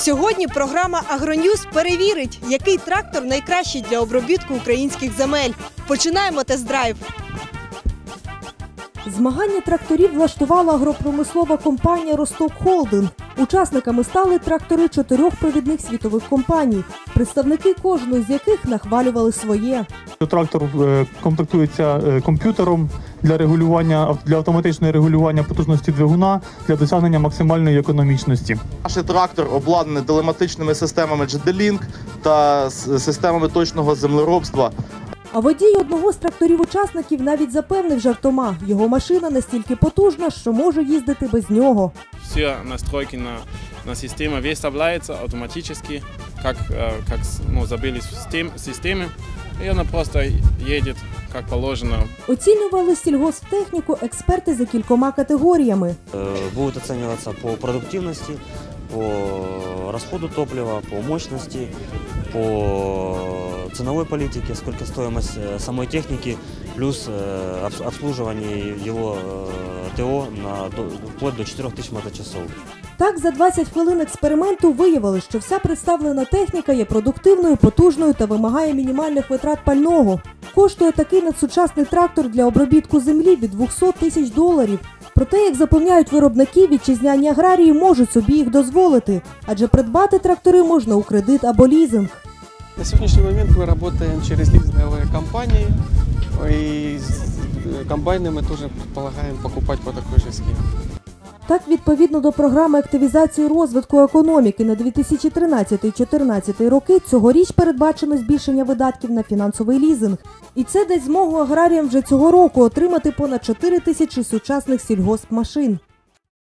Сьогодні програма «Агроньюз» перевірить, який трактор найкращий для обробітку українських земель. Починаємо тест-драйв. Змагання тракторів влаштувала агропромислова компанія «Росток Холдинг». Учасниками стали трактори 4 провідних світових компаній, представники кожної з яких нахвалювали своє. Трактор комплектується комп'ютером для автоматичного регулювання потужності двигуна для досягнення максимальної економічності. Наш трактор обладнаний телематичними системами GD-Link та системами точного землеробства. А водій одного з тракторів-учасників навіть запевнив жартома, його машина настільки потужна, що може їздити без нього. Все настройки на систему выставляются автоматически, как забились в системе, и она просто едет, как положено. Оцінювали сільгосптехніку експерти за кількома категоріями. Будут оцениваться по продуктивности, по расходу топлива, по мощности, по ценовой политике, сколько стоимость самой техники, плюс обслуживание его ТО вплоть до 4000 моточасов. Так, за 20 хвилин експерименту виявили, що вся представлена техніка є продуктивною, потужною та вимагає мінімальних витрат пального. Коштує такий надсучасний трактор для обробітку землі від $200 000. Проте, як запевняють виробники, вітчизняні аграрії можуть собі їх дозволити, адже придбати трактори можна у кредит або лізинг. На сегодняшний момент мы работаем через лизинговые компании, и комбайны мы тоже предполагаем покупать по такой же схеме. Так, відповідно до програми активізації розвитку економіки на 2013-2014 роки, цьогоріч передбачено збільшення видатків на фінансовий лізинг. І це дасть змогу аграріям вже цього року отримати понад 4000 сучасних сільгоспмашин.